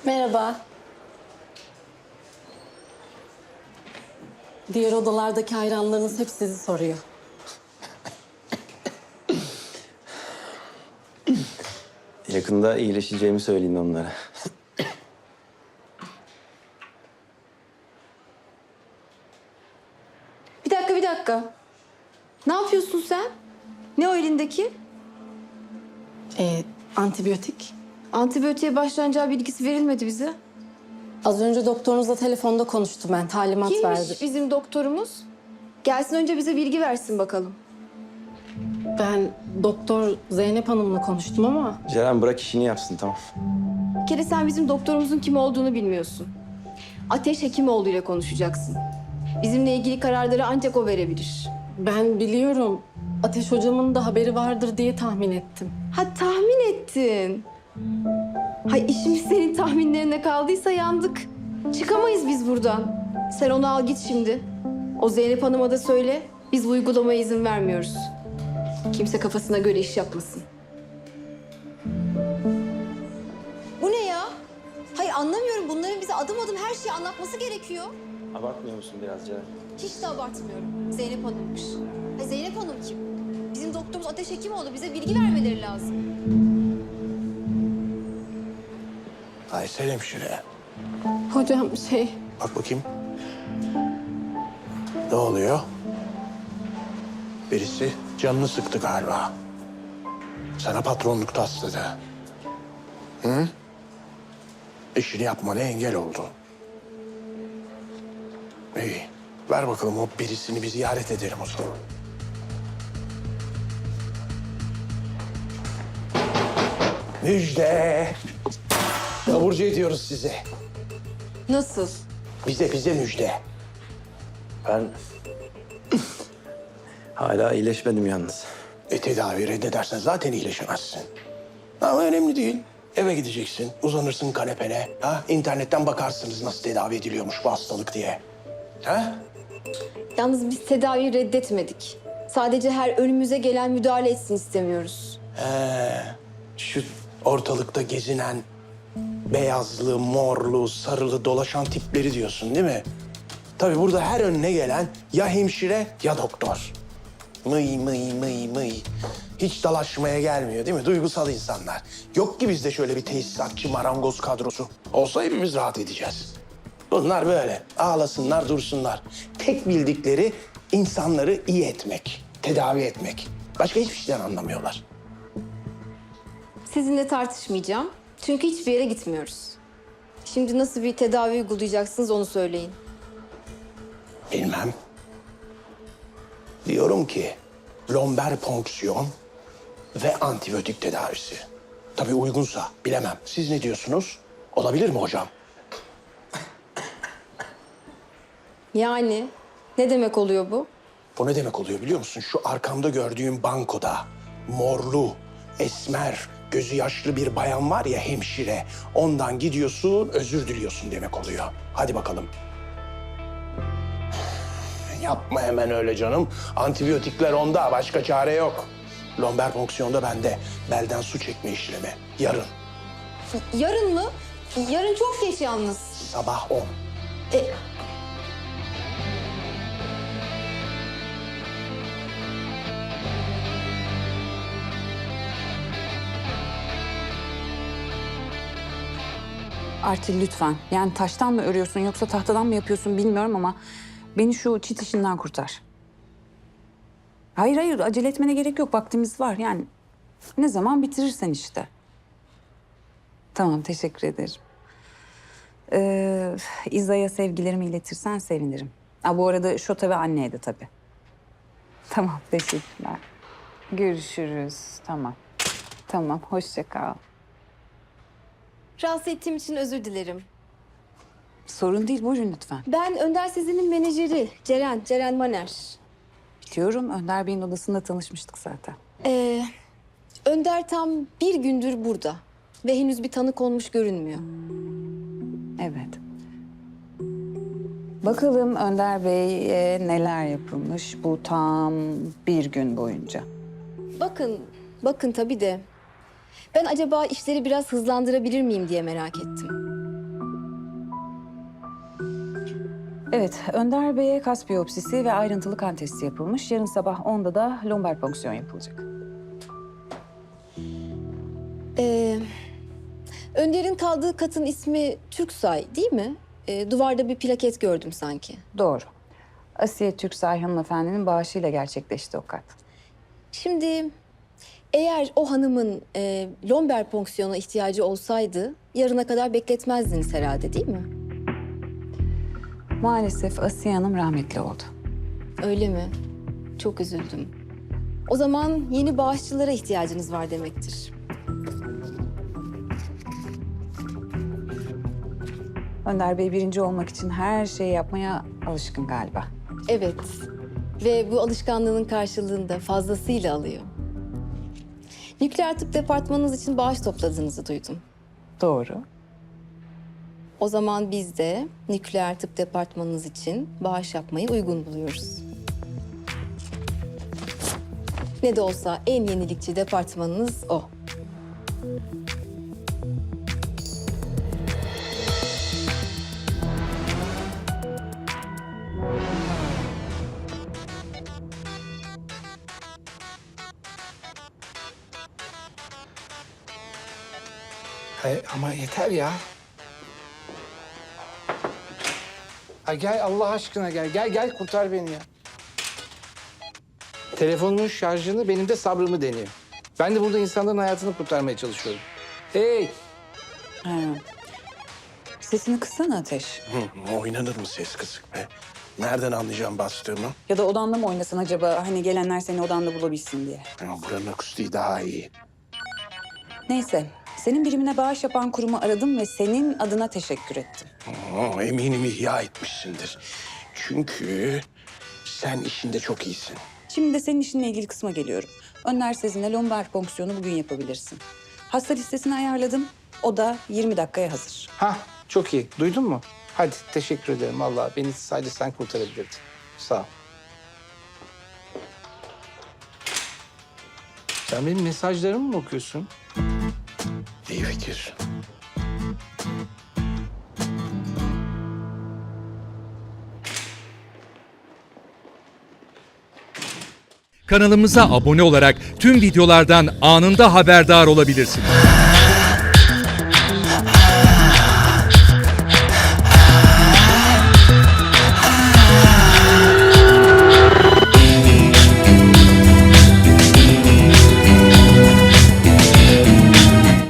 Merhaba. Diğer odalardaki hayranlarınız hep sizi soruyor. Yakında iyileşeceğimi söyleyin onlara. Bir dakika. Ne yapıyorsun sen? Ne o elindeki? Antibiyotik. Antibiyotiğe başlanacağı bilgisi verilmedi bize. Az önce doktorunuzla telefonda konuştum ben. Talimat verdi. Kimmiş bizim doktorumuz? Gelsin önce bize bilgi versin bakalım. Ben Doktor Zeynep Hanım'la konuştum ama... Ceren bırak işini yapsın, tamam. Bir kere sen bizim doktorumuzun kim olduğunu bilmiyorsun. Ateş Hekimoğlu ile konuşacaksın. Bizimle ilgili kararları ancak o verebilir. Ben biliyorum. Ateş hocamın da haberi vardır diye tahmin ettim. Ha, tahmin ettin. Hay, işimiz senin tahminlerine kaldıysa yandık. Çıkamayız biz buradan. Sen onu al git şimdi. O Zeynep Hanım'a da söyle. Biz bu uygulamaya izin vermiyoruz. Kimse kafasına göre iş yapmasın. Bu ne ya? Hayır anlamıyorum. Bunların bize adım adım her şeyi anlatması gerekiyor. Abartmıyor musun biraz Ceren? Hiç de abartmıyorum. Zeynep Hanım'mış. Hayır Zeynep Hanım kim? Bizim doktorumuz Ateş Hekimoğlu. Bize bilgi vermeleri lazım. Aysel hemşire. Hocam Bak bakayım. Ne oluyor? Birisi canını sıktı galiba. Sana patronluk tasladı. Hı? İşini yapmana engel oldu. İyi. Ver bakalım o birisini bir ziyaret edelim o zaman. Müjde. Taburcu ediyoruz size. Nasıl? Bize müjde. Ben hala iyileşmedim yalnız. Tedavi reddedersen zaten iyileşemezsin. Ama önemli değil. Eve gideceksin, uzanırsın kanepene. Ha? İnternetten bakarsınız nasıl tedavi ediliyormuş bu hastalık diye. Ha? Yalnız biz tedaviyi reddetmedik. Sadece her önümüze gelen müdahale etsin istemiyoruz. Şu ortalıkta gezinen beyazlı, morlu, sarılı dolaşan tipleri diyorsun değil mi? Tabii burada her önüne gelen ya hemşire ya doktor. Mıy. Hiç dalaşmaya gelmiyor değil mi? Duygusal insanlar. Yok ki bizde şöyle bir tesisatçı, marangoz kadrosu. Olsa hepimiz rahat edeceğiz. Bunlar böyle. Ağlasınlar, dursunlar. Tek bildikleri insanları iyi etmek, tedavi etmek. Başka hiçbir şeyden anlamıyorlar. Sizinle tartışmayacağım. Çünkü hiçbir yere gitmiyoruz. Şimdi nasıl bir tedavi uygulayacaksınız onu söyleyin. Bilmem. Diyorum ki lomber ponksiyon ve antibiyotik tedavisi. Tabii uygunsa bilemem. Siz ne diyorsunuz? Olabilir mi hocam? Yani ne demek oluyor bu? Bu ne demek oluyor biliyor musun? Şu arkamda gördüğüm bankoda morlu, esmer, gözü yaşlı bir bayan var ya hemşire. Ondan gidiyorsun, özür diliyorsun demek oluyor. Hadi bakalım. Yapma hemen öyle canım. Antibiyotikler onda, başka çare yok. Lomber fonksiyonda bende. Belden su çekme işlemi. Yarın, Yarın mı? Yarın çok geç yalnız. sabah 10. Artil lütfen. Yani taştan mı örüyorsun yoksa tahtadan mı yapıyorsun bilmiyorum ama beni şu çit işinden kurtar. Hayır acele etmene gerek yok. Vaktimiz var yani. Ne zaman bitirirsen işte. Tamam teşekkür ederim. İza'ya sevgilerimi iletirsen sevinirim. Bu arada Şota ve anneye de tabii. Tamam teşekkürler. Görüşürüz. Tamam hoşça kal. Rahatsız ettiğim için özür dilerim. Sorun değil buyurun lütfen. Ben Önder Sezen'in menajeri Ceren Maner. Biliyorum Önder Bey'in odasında tanışmıştık zaten. Önder tam bir gündür burada ve henüz bir tanı konmuş görünmüyor. Evet. Bakalım Önder Bey'e neler yapılmış bu tam bir gün boyunca. Bakın tabii de ben acaba işleri biraz hızlandırabilir miyim diye merak ettim. Evet, Önder Bey'e kas biyopsisi ve ayrıntılı kan testi yapılmış. Yarın sabah 10'da da lombar fonksiyon yapılacak. Önder'in kaldığı katın ismi Türksay değil mi? Duvarda bir plaket gördüm sanki. Doğru. Asiye Türksay hanımefendinin bağışıyla gerçekleşti o kat. Şimdi eğer o hanımın lomber fonksiyona ihtiyacı olsaydı yarına kadar bekletmezdiniz herhalde değil mi? Maalesef Asiye Hanım rahmetli oldu. Öyle mi? Çok üzüldüm. O zaman yeni bağışçılara ihtiyacınız var demektir. Önder Bey birinci olmak için her şeyi yapmaya alışkın galiba. Evet. Ve bu alışkanlığının karşılığını da fazlasıyla alıyor. Nükleer tıp departmanınız için bağış topladığınızı duydum. Doğru. O zaman biz de nükleer tıp departmanınız için bağış yapmayı uygun buluyoruz. Ne de olsa en yenilikçi departmanınız o. Ama yeter ya. Ha gel Allah aşkına gel. Gel kurtar beni ya. Telefonumun şarjını benim de sabrımı deniyor. Ben de burada insanların hayatını kurtarmaya çalışıyorum. Hey! Ha. Sesini kıssana Ateş. Oynanır mı ses kısık be? Nereden anlayacağım bastığımı? Ya da odanda mı oynasın acaba? Hani gelenler seni odanda bulabilsin diye. Ya buranın akustiği daha iyi. Neyse, senin birimine bağış yapan kurumu aradım ve senin adına teşekkür ettim. Eminim ihya etmişsindir. Çünkü sen işinde çok iyisin. Şimdi de senin işinle ilgili kısma geliyorum. Önder Sezin'le lombar fonksiyonu bugün yapabilirsin. Hasta listesini ayarladım. O da 20 dakikaya hazır. Hah, çok iyi. Duydun mu? Hadi teşekkür ederim vallahi. Beni sadece sen kurtarabilirdin. Sağ ol. Sen benim mesajlarımı mı okuyorsun? İyi fikir. Kanalımıza abone olarak tüm videolardan anında haberdar olabilirsiniz.